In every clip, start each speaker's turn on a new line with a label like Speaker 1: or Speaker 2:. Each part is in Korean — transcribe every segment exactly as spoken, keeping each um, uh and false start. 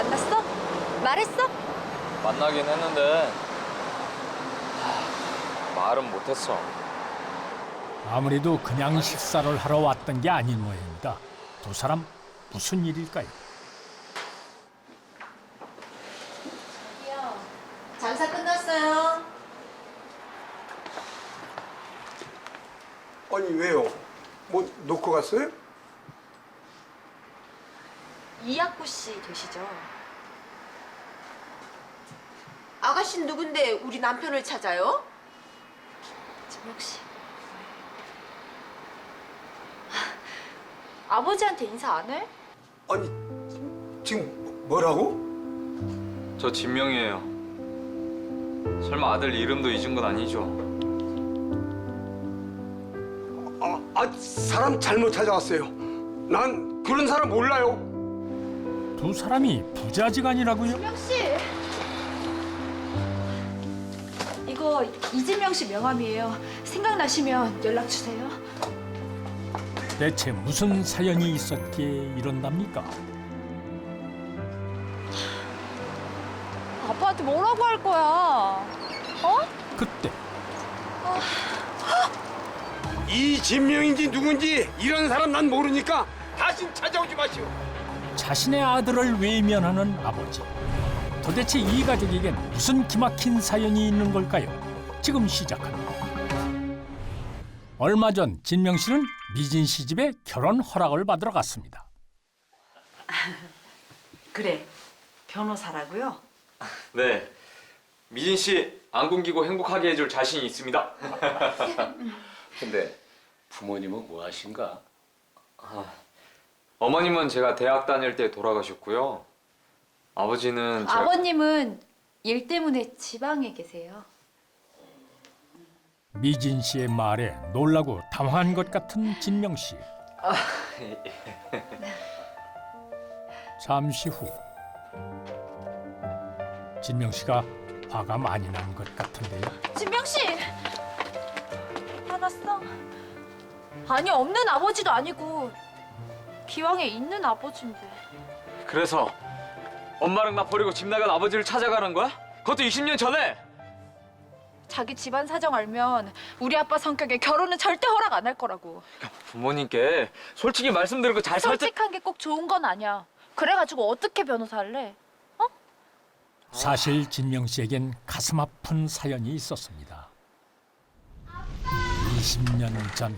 Speaker 1: 만났어? 말했어?
Speaker 2: 만나긴 했는데 하, 말은 못했어.
Speaker 3: 아무래도 그냥 식사를 하러 왔던 게 아닌 모양입니다. 두 사람 무슨 일일까요?
Speaker 1: 장사 끝났어요.
Speaker 4: 아니 왜요? 뭐 놓고 갔어요?
Speaker 1: 이학구 씨 되시죠? 아가씨는 누군데 우리 남편을 찾아요? 진명 씨. 아버지한테 인사 안 해?
Speaker 4: 아니 지금 뭐라고?
Speaker 2: 저 진명이에요. 설마 아들 이름도 잊은 건 아니죠?
Speaker 4: 아, 아 사람 잘못 찾아왔어요. 난 그런 사람 몰라요.
Speaker 3: 두 사람이 부자지간이라고요?
Speaker 1: 진명 씨. 이거 이진명 씨 명함이에요. 생각나시면 연락 주세요.
Speaker 3: 대체 무슨 사연이 있었기에 이런답니까?
Speaker 1: 아빠한테 뭐라고 할 거야? 어?
Speaker 3: 그때
Speaker 4: 이 진명인지 누군지 이런 사람 난 모르니까 다신 찾아오지 마시오.
Speaker 3: 자신의 아들을 외면하는 아버지. 도대체 이 가족에겐 무슨 기막힌 사연이 있는 걸까요? 지금 시작합니다. 얼마 전 진명 씨는 미진 씨 집에 결혼 허락을 받으러 갔습니다.
Speaker 5: 그래, 변호사라고요?
Speaker 2: 네. 미진 씨 안 굶기고 행복하게 해줄 자신이 있습니다.
Speaker 6: 근데 부모님은 뭐 하신가?
Speaker 2: 아, 어머님은 제가 대학 다닐 때 돌아가셨고요. 아버지는 제가...
Speaker 1: 아버님은 일 때문에 지방에 계세요.
Speaker 3: 미진 씨의 말에 놀라고 당황한 것 같은 진명 씨. 잠시 후 진명 씨가 화가 많이 난 것 같은데요.
Speaker 1: 진명 씨! 화났어? 아니, 없는 아버지도 아니고 기왕에 있는 아버지인데.
Speaker 2: 그래서 엄마랑 나 버리고 집 나간 아버지를 찾아가는 거야? 그것도 이십 년 전에!
Speaker 1: 자기 집안 사정 알면 우리 아빠 성격에 결혼은 절대 허락 안 할 거라고.
Speaker 2: 부모님께 솔직히 말씀드리고 잘 설득...
Speaker 1: 솔직한 게 꼭 좋은 건 아니야. 그래가지고 어떻게 변호사 할래?
Speaker 3: 사실 진명 씨에겐 가슴 아픈 사연이 있었습니다. 이십 년 전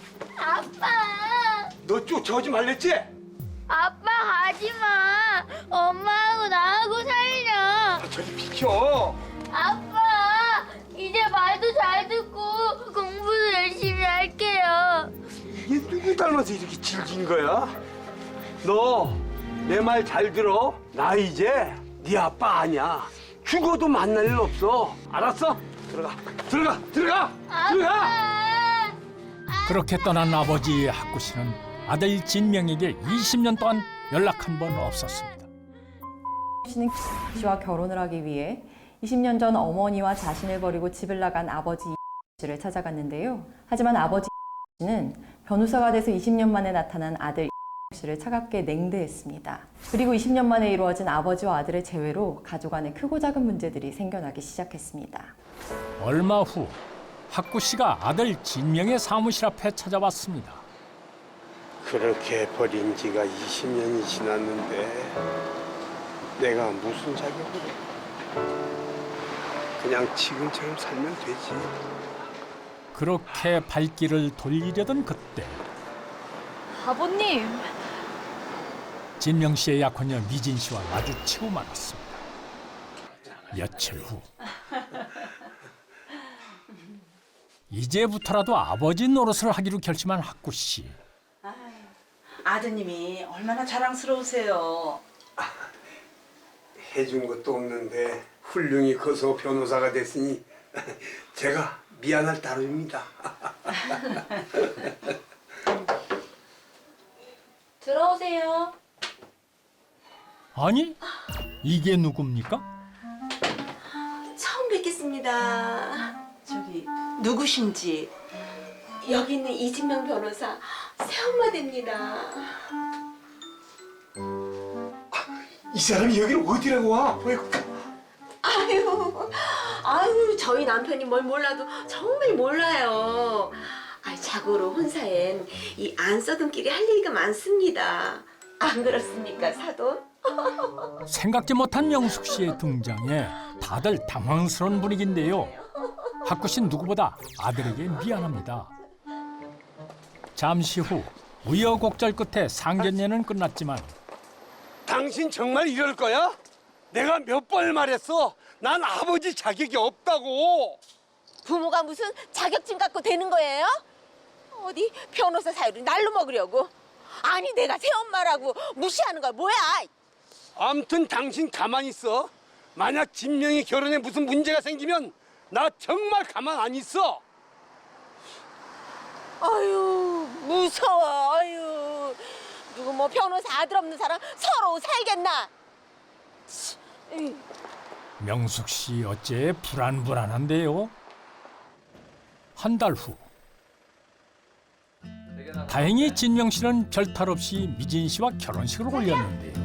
Speaker 7: 아빠!
Speaker 4: 너 쫓아오지 말랬지?
Speaker 7: 아빠 가지마! 엄마하고 나하고 살려!
Speaker 4: 아, 저리 비켜.
Speaker 7: 아빠! 이제 말도 잘 듣고 공부도 열심히 할게요.
Speaker 4: 이게 누구 닮아서 이렇게 질긴 거야? 너 내 말 잘 들어. 나 이제 네 아빠 아니야. 죽어도 만날 일 없어. 알았어? 들어가. 들어가. 들어가. 들어가.
Speaker 7: 아빠!
Speaker 3: 그렇게 떠난 아버지 학구 씨는 아들 진명에게 이십 년 동안 연락 한 번 없었습니다.
Speaker 8: 씨는 씨와 결혼을 하기 위해 이십 년 전 어머니와 자신을 버리고 집을 나간 아버지 씨를 찾아갔는데요. 하지만 아버지 씨는 변호사가 돼서 이십 년 만에 나타난 아들 씨를 차갑게 냉대했습니다. 그리고 이십 년 만에 이루어진 아버지와 아들의 재회로 가족 안에 크고 작은 문제들이 생겨나기 시작했습니다.
Speaker 3: 얼마 후 학구 씨가 아들 진명의 사무실 앞에 찾아왔습니다.
Speaker 4: 그렇게 버린 지가 이십 년이 지났는데 내가 무슨 자격으로 그냥 지금처럼 살면 되지.
Speaker 3: 그렇게 발길을 돌리려던 그때
Speaker 1: 아버님!
Speaker 3: 진명 씨의 약혼녀 미진 씨와 마주치고 말았습니다. 며칠 후 이제부터라도 아버지 노릇을 하기로 결심한 학구 씨.
Speaker 5: 아드님이 얼마나 자랑스러우세요.
Speaker 4: 해준 것도 없는데 훌륭히 커서 변호사가 됐으니 제가 미안할 따름입니다.
Speaker 1: 들어오세요.
Speaker 3: 아니, 이게 누굽니까?
Speaker 9: 처음 뵙겠습니다.
Speaker 5: 저기 누구신지.
Speaker 9: 여기 있는 이진명 변호사 새엄마 됩니다.
Speaker 4: 이 사람이 여기를 어디라고 와? 어이구.
Speaker 9: 아유, 아유, 저희 남편이 뭘 몰라도 정말 몰라요. 아, 자고로 혼사엔 이 안 써둔 길이 할 얘기가 많습니다. 안 그렇습니까, 사돈?
Speaker 3: 생각지 못한 명숙 씨의 등장에 다들 당황스러운 분위기인데요. 학구 씨는 누구보다 아들에게 미안합니다. 잠시 후 우여곡절 끝에 상견례는 끝났지만
Speaker 4: 당신 정말 이럴 거야? 내가 몇 번을 말했어. 난 아버지 자격이 없다고.
Speaker 9: 부모가 무슨 자격증 갖고 되는 거예요? 어디 변호사 사유를 날로 먹으려고? 아니, 내가 새엄마라고 무시하는 걸 뭐야?
Speaker 4: 아무튼 당신 가만히 있어. 만약 진명이 결혼에 무슨 문제가 생기면 나 정말 가만 안 있어.
Speaker 9: 아유, 무서워. 아유, 누구 뭐 변호사 아들 없는 사람 서로 살겠나? 치, 에이.
Speaker 3: 명숙 씨 어째 불안불안한데요. 한 달 후. 다행히 진명 씨는 별탈 없이 미진 씨와 결혼식을 올렸는데요.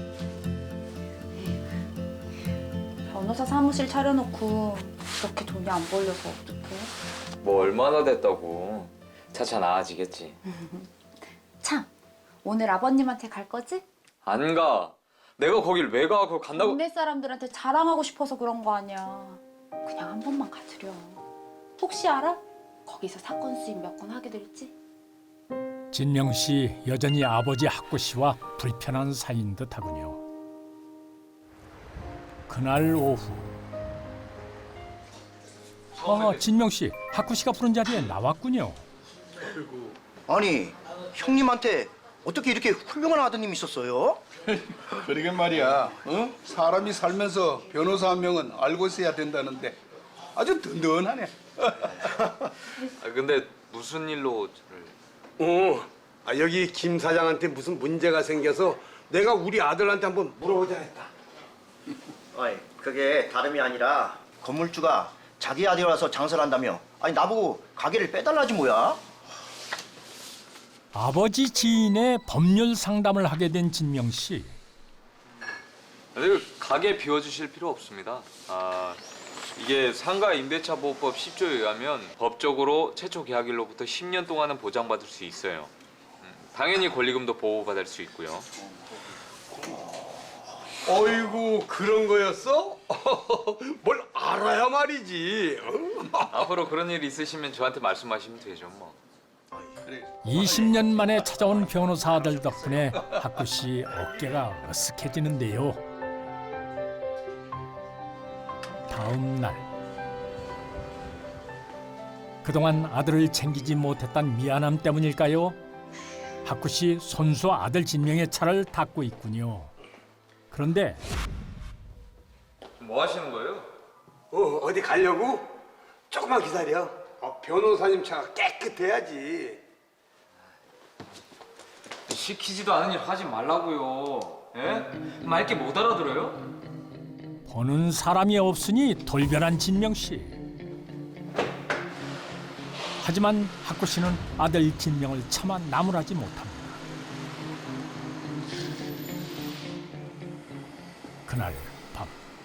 Speaker 1: 변호사 사무실 차려놓고 그렇게 돈이 안 벌려서 어떡해?
Speaker 2: 뭐 얼마나 됐다고. 차차 나아지겠지.
Speaker 1: 참, 오늘 아버님한테 갈 거지?
Speaker 2: 안 가. 내가 거길 왜 가? 그거 간다고.
Speaker 1: 동네 사람들한테 자랑하고 싶어서 그런 거 아니야. 그냥 한 번만 가주려. 혹시 알아? 거기서 사건 수입 몇 건 하게 될지?
Speaker 3: 진명 씨 여전히 아버지 학구 씨와 불편한 사이인 듯하군요. 그날 오후. 아, 진명 씨, 학구 씨가 부른 자리에 나왔군요.
Speaker 10: 아니, 형님한테 어떻게 이렇게 훌륭한 아드님이 있었어요?
Speaker 11: 그러게 말이야. 어? 사람이 살면서 변호사 한 명은 알고 있어야 된다는데 아주 든든하네.
Speaker 2: 아, 근데 무슨 일로 저를...
Speaker 4: 어, 아, 여기 김 사장한테 무슨 문제가 생겨서 내가 우리 아들한테 한번 물어보자 했다.
Speaker 10: 아니, 그게 다름이 아니라 건물주가 자기 아들이라서 장사를 한다며. 아니, 나보고 가게를 빼달라지 뭐야?
Speaker 3: 아버지 지인의 법률 상담을 하게 된 진명 씨.
Speaker 2: 아니, 가게 비워주실 필요 없습니다. 아, 이게 상가 임대차 보호법 십 조에 의하면 법적으로 최초 계약일로부터 십 년 동안은 보장받을 수 있어요. 음, 당연히 권리금도 보호받을 수 있고요.
Speaker 4: 어이구, 그런 거였어? 뭘 알아야 말이지.
Speaker 2: 앞으로 그런 일 있으시면 저한테 말씀하시면 되죠, 뭐.
Speaker 3: 이십 년 만에 찾아온 변호사 아들 덕분에 학구 씨 어깨가 으쓱해지는데요. 다음 날. 그동안 아들을 챙기지 못했던 미안함 때문일까요? 학구 씨 손수 아들 진명의 차를 닦고 있군요. 그런데
Speaker 2: 뭐 하시는 거예요?
Speaker 4: 어, 어디 가려고? 조금만 기다려. 어, 변호사님 차가 깨끗해야지.
Speaker 2: 시키지도 않은 일 하지 말라고요. 예? 맑게 못 알아들어요?
Speaker 3: 보는 사람이 없으니 돌변한 진명 씨. 하지만 학구 씨는 아들 진명을 차마 나무라지 못합니다. 그날 밤.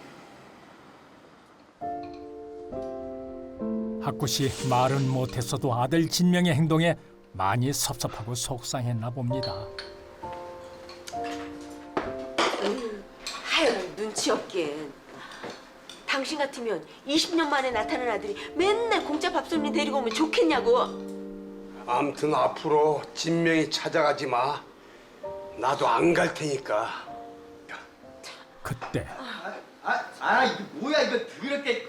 Speaker 3: 학구 씨 말은 못했어도 아들 진명의 행동에 많이 섭섭하고 속상했나 봅니다.
Speaker 9: 하여간 눈치 없긴. 당신 같으면 이십 년 만에 나타난 아들이 맨날 공짜 밥손님 데리고 오면 좋겠냐고.
Speaker 4: 아무튼 앞으로 진명이 찾아가지 마. 나도 안 갈 테니까.
Speaker 3: 그때
Speaker 10: 아, 아, 이게 뭐야, 이거 더럽게.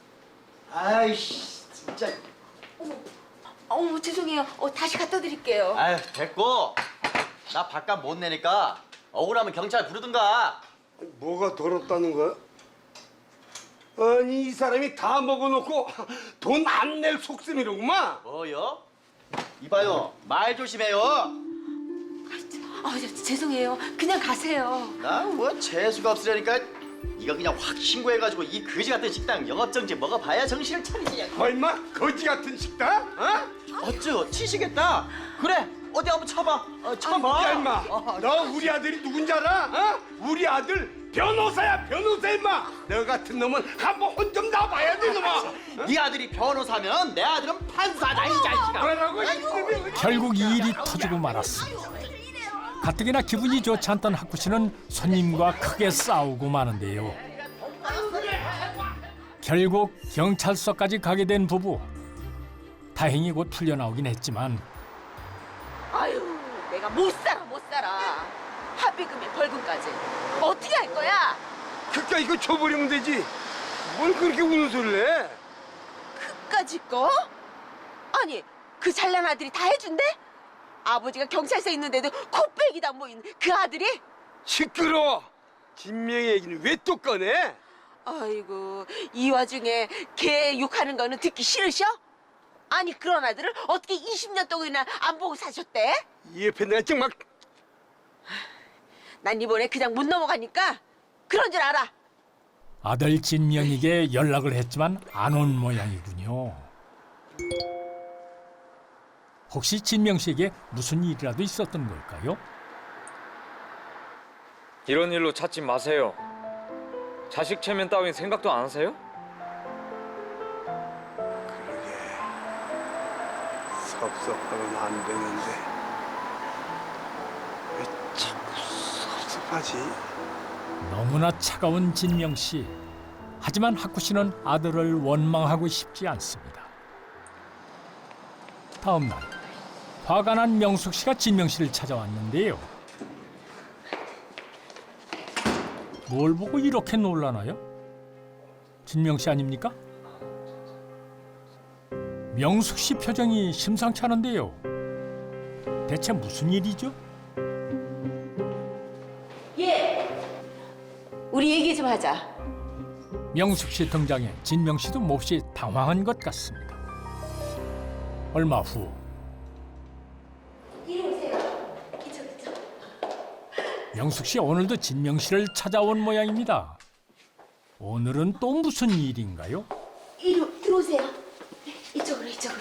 Speaker 10: 아이씨, 진짜.
Speaker 9: 어머, 죄송해요. 어, 다시 갖다 드릴게요.
Speaker 10: 아유, 됐고. 나 밥값 못 내니까 억울하면 경찰 부르든가.
Speaker 4: 뭐가 더럽다는 거야? 아니, 이 사람이 다 먹어놓고 돈 안 낼 속셈이로구만.
Speaker 10: 뭐요? 이봐요, 말 조심해요.
Speaker 9: 아, 저, 죄송해요. 그냥 가세요.
Speaker 10: 나 뭐 재수가 없으려니까 이거 그냥 확 신고해가지고 이 거지 같은 식당 영업정지 먹어봐야 정신을 차리지.
Speaker 4: 얼마? 거지 같은 식당? 어?
Speaker 10: 어쭈, 치시겠다. 그래, 어디 한번 쳐봐. 어, 쳐봐.
Speaker 4: 야 임마, 너 우리 아들이 누군지 알아? 어? 우리 아들 변호사야, 변호사 임마. 너 같은 놈은 한번 혼 좀 나봐야 돼 놈아.
Speaker 10: 네 아들이 변호사면 내 아들은 판사다 이 자식아.
Speaker 4: 그러라고 이놈이.
Speaker 3: 결국 이 일이 터지고 말았습니다. 가뜩이나 기분이 좋지 않던 학구 씨는 손님과 크게 싸우고 마는데요. 결국 경찰서까지 가게 된 부부. 다행히 곧 풀려나오긴 했지만
Speaker 9: 아유, 내가 못 살아 못 살아. 합의금에 벌금까지. 어떻게 할 거야?
Speaker 4: 그니까 이거 줘버리면 되지. 뭘 그렇게 우는 소리를 해?
Speaker 9: 그까짓 거? 아니, 그 잘난 아들이 다 해준대? 아버지가 경찰서에 있는데도 코빼기도 안 보이는 그 아들이?
Speaker 4: 시끄러워. 진명의 얘기는 왜 또 꺼내?
Speaker 9: 아이고, 이 와중에 걔 욕하는 거는 듣기 싫으셔? 아니, 그런 아들을 어떻게 이십 년 동안이나 안 보고 사셨대?
Speaker 4: 이 옆에 내가 정말.
Speaker 9: 난 이번에 그냥 못 넘어가니까 그런 줄 알아.
Speaker 3: 아들 진명에게 연락을 했지만 안 온 모양이군요. 혹시 진명 씨에게 무슨 일이라도 있었던 걸까요?
Speaker 2: 이런 일로 찾지 마세요. 자식 체면 따윈 생각도 안 하세요?
Speaker 4: 섭섭하면 안 되는데 왜 자꾸 섭섭하지?
Speaker 3: 너무나 차가운 진명 씨. 하지만 학구 씨는 아들을 원망하고 싶지 않습니다. 다음 날 화가 난 명숙 씨가 진명 씨를 찾아왔는데요. 뭘 보고 이렇게 놀라나요? 진명 씨 아닙니까? 명숙 씨 표정이 심상치 않은데요. 대체 무슨 일이죠?
Speaker 9: 예. 우리 얘기 좀 하자.
Speaker 3: 명숙 씨 등장에 진명 씨도 몹시 당황한 것 같습니다. 얼마 후
Speaker 9: 이리 오세요. 이쪽 이쪽.
Speaker 3: 명숙 씨 오늘도 진명 씨를 찾아온 모양입니다. 오늘은 또 무슨 일인가요?
Speaker 9: 이리 들어오세요. 이쪽으로 이쪽으로.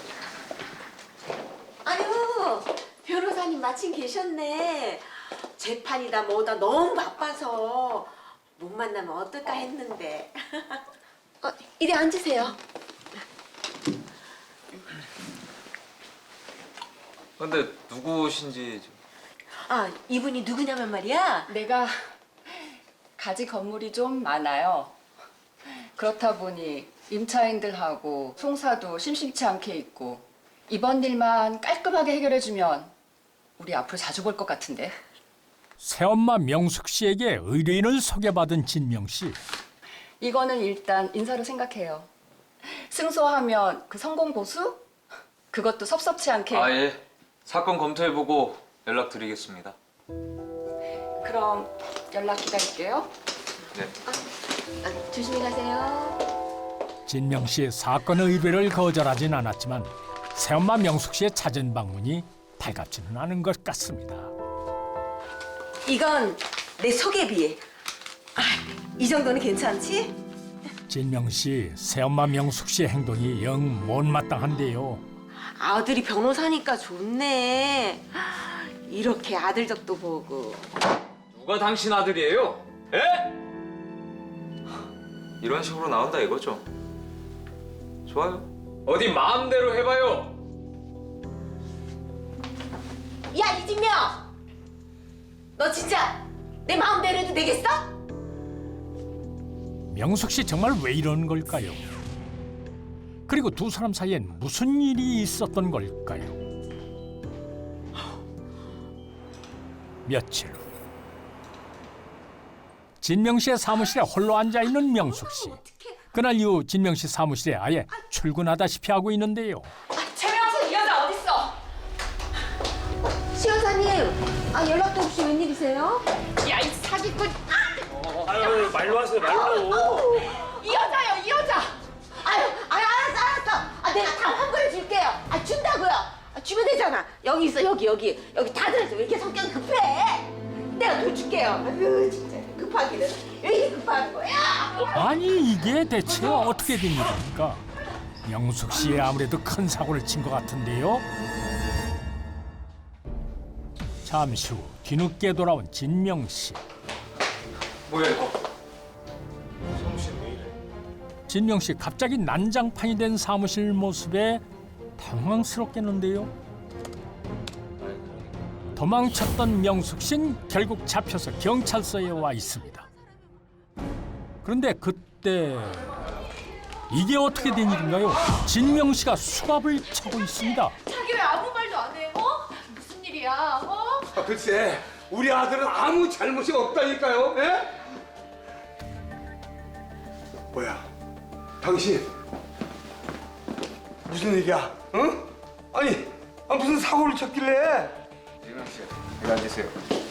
Speaker 9: 아유, 변호사님 마침 계셨네. 재판이다 뭐다 너무 바빠서 못 만나면 어떨까 했는데. 어, 이리 앉으세요.
Speaker 2: 근데 누구신지 좀...
Speaker 9: 아, 이분이 누구냐면 말이야.
Speaker 8: 내가 가지 건물이 좀 많아요. 그렇다 보니 임차인들하고 송사도 심심치 않게 있고 이번 일만 깔끔하게 해결해주면 우리 앞으로 자주 볼 것 같은데.
Speaker 3: 새엄마 명숙 씨에게 의뢰인을 소개받은 진명 씨.
Speaker 8: 이거는 일단 인사로 생각해요. 승소하면 그 성공 보수? 그것도 섭섭치 않게.
Speaker 2: 아 예. 사건 검토해보고 연락드리겠습니다.
Speaker 8: 그럼 연락 기다릴게요.
Speaker 2: 네.
Speaker 9: 아, 조심히 가세요.
Speaker 3: 진명 씨의 사건 의뢰를 거절하진 않았지만 새엄마 명숙 씨의 찾은 방문이 달갑지는 않은 것 같습니다.
Speaker 9: 이건 내 소개비. 아, 이 정도는 괜찮지?
Speaker 3: 진명 씨, 새엄마 명숙 씨의 행동이 영 못마땅한데요.
Speaker 9: 아들이 변호사니까 좋네. 이렇게 아들 덕도 보고.
Speaker 2: 누가 당신 아들이에요? 에? 이런 식으로 나온다 이거죠? 좋아요. 어디 마음대로 해봐요.
Speaker 9: 야, 이진명! 너 진짜 내 마음대로 해도 되겠어?
Speaker 3: 명숙 씨 정말 왜 이런 걸까요? 그리고 두 사람 사이엔 무슨 일이 있었던 걸까요? 며칠 후 진명 씨의 사무실에 홀로 앉아 있는 명숙 씨. 그날 이후 진명 씨 사무실에 아예 출근하다시피 하고 있는데요.
Speaker 8: 최명숙 이 여자 어딨어?
Speaker 9: 시여사님, 아 연락도 없이 웬일이세요?
Speaker 8: 야, 이 사기꾼!
Speaker 4: 아유, 말로 하세요, 말로.
Speaker 8: 이 여자요, 이 여자!
Speaker 9: 아유, 아유, 알았어, 알았어. 아, 내가 다 환불해 줄게요. 아, 준다고요. 아, 주면 되잖아. 여기 있어, 여기, 여기. 여기 다 들었어. 왜 이렇게 성격이 급해? 내가 돈 줄게요. 아유, 진짜 급하기는. 왜 이렇게 급한 거야?
Speaker 3: 아니 이게 대체 어떻게 된 일입니까? 명숙 씨 아무래도 큰 사고를 친 것 같은데요. 잠시 후 뒤늦게 돌아온 진명 씨.
Speaker 2: 뭐야 이거?
Speaker 3: 진명 씨 갑자기 난장판이 된 사무실 모습에 당황스럽겠는데요. 도망쳤던 명숙 씨는 결국 잡혀서 경찰서에 와 있습니다. 그런데 그때 이게 어떻게 된 일인가요? 진명 씨가 수갑을 차고 있습니다.
Speaker 1: 자기 왜 아무 말도 안 해? 어? 무슨 일이야? 어?
Speaker 4: 아, 글쎄, 우리 아들은 아무 잘못이 없다니까요. 예? 뭐야, 당신 무슨 일이야? 응? 아니, 아, 무슨 사고를 쳤길래?
Speaker 2: 진명 씨, 여기 앉으세요.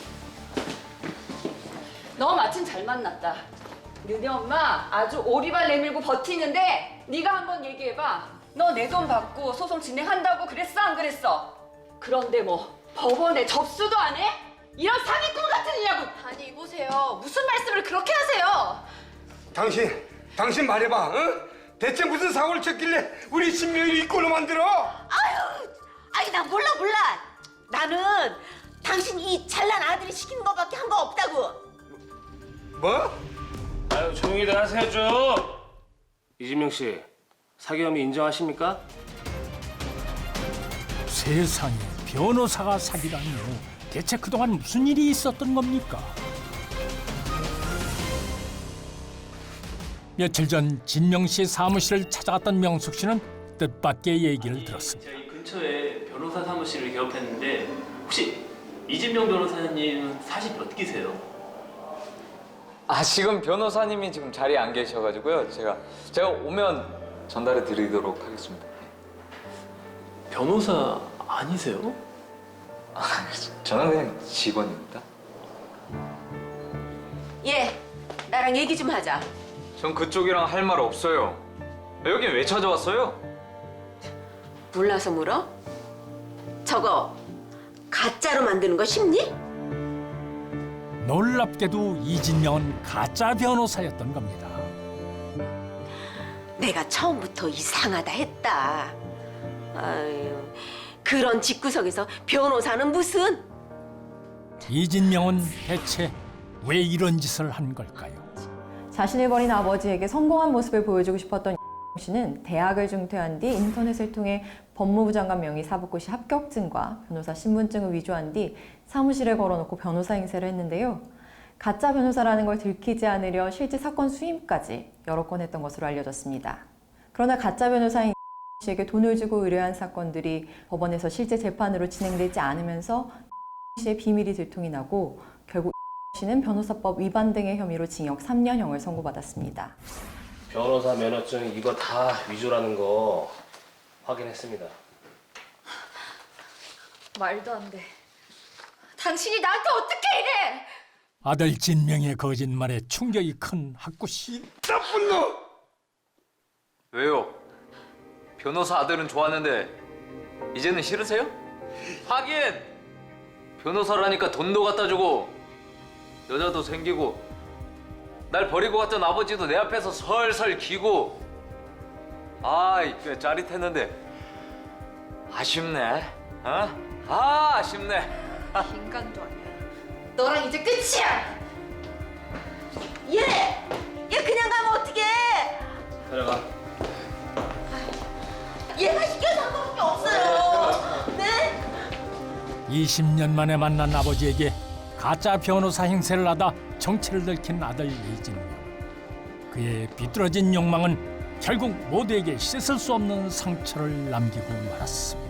Speaker 12: 너 마침 잘 만났다. 너네 엄마 아주 오리발 내밀고 버티는데 네가 한번 얘기해봐. 너 내 돈 받고 소송 진행한다고 그랬어 안 그랬어? 그런데 뭐 법원에 접수도 안 해? 이런 사기꾼 같은 일이라고.
Speaker 1: 아니 이보세요. 무슨 말씀을 그렇게 하세요?
Speaker 4: 당신, 당신 말해봐. 응? 대체 무슨 사고를 쳤길래 우리 신명이를 이 꼴로 만들어?
Speaker 9: 아유, 아니 나 몰라 몰라. 나는 당신 이 잘난 아들이 시키는 것밖에 한 거 없다고.
Speaker 4: 뭐?
Speaker 6: 아유 조용히들 하세요 좀. 이진명 씨 사기 혐의 인정하십니까?
Speaker 3: 세상에 변호사가 사기라니요. 대체 그동안 무슨 일이 있었던 겁니까? 며칠 전 진명 씨 사무실을 찾아갔던 명숙 씨는 뜻밖의 얘기를 들었습니다.
Speaker 13: 제가 이 근처에 변호사 사무실을 개업했는데 혹시 이진명 변호사님은 사실 몇 기세요?
Speaker 2: 아 지금 변호사님이 지금 자리에 안 계셔가지고요. 제가 제가 오면 전달해 드리도록 하겠습니다.
Speaker 13: 변호사 아니세요?
Speaker 2: 아, 저는 그냥 직원입니다.
Speaker 9: 예, 나랑 얘기 좀 하자.
Speaker 2: 전 그쪽이랑 할 말 없어요. 여긴 왜 찾아왔어요?
Speaker 9: 몰라서 물어? 저거 가짜로 만드는 거 쉽니?
Speaker 3: 놀랍게도 이진명은 가짜 변호사였던 겁니다.
Speaker 9: 내가 처음부터 이상하다 했다. 아유, 그런 집구석에서 변호사는 무슨?
Speaker 3: 이진명은 대체 왜 이런 짓을 한 걸까요?
Speaker 8: 자신을 버린 아버지에게 성공한 모습을 보여주고 싶었던 씨는 대학을 중퇴한 뒤 인터넷을 통해 법무부 장관 명의 사법고시 합격증과 변호사 신분증을 위조한 뒤 사무실에 걸어놓고 변호사 행세를 했는데요. 가짜 변호사라는 걸 들키지 않으려 실제 사건 수임까지 여러 건 했던 것으로 알려졌습니다. 그러나 가짜 변호사인 씨에게 돈을 주고 의뢰한 사건들이 법원에서 실제 재판으로 진행되지 않으면서 씨의 비밀이 들통이 나고 결국 씨는 변호사법 위반 등의 혐의로 징역 삼 년형을 선고받았습니다.
Speaker 6: 변호사 면허증 이거 다 위조라는 거 확인했습니다.
Speaker 1: 말도 안 돼. 당신이 나한테 어떻게 이래?
Speaker 3: 아들 진명의 거짓말에 충격이 큰 학구 씨.
Speaker 4: 나쁜 놈!
Speaker 2: 왜요? 변호사 아들은 좋았는데 이제는 싫으세요? 하긴 변호사라니까 돈도 갖다 주고 여자도 생기고 날 버리고 갔던 아버지도 내 앞에서 설설 기고 아이 꽤 짜릿했는데 아쉽네. 어? 아 아쉽네.
Speaker 1: 인간도 아니야. 너랑 이제 끝이야.
Speaker 9: 얘, 얘 그냥 가면 어떡해?
Speaker 6: 들어가.
Speaker 9: 얘가 시켜서 한 거밖에 없어요. 네?
Speaker 3: 이십 년 만에 만난 아버지에게 가짜 변호사 행세를 하다 정체를 들킨 아들 이진명. 그의 비뚤어진 욕망은 결국 모두에게 씻을 수 없는 상처를 남기고 말았습니다.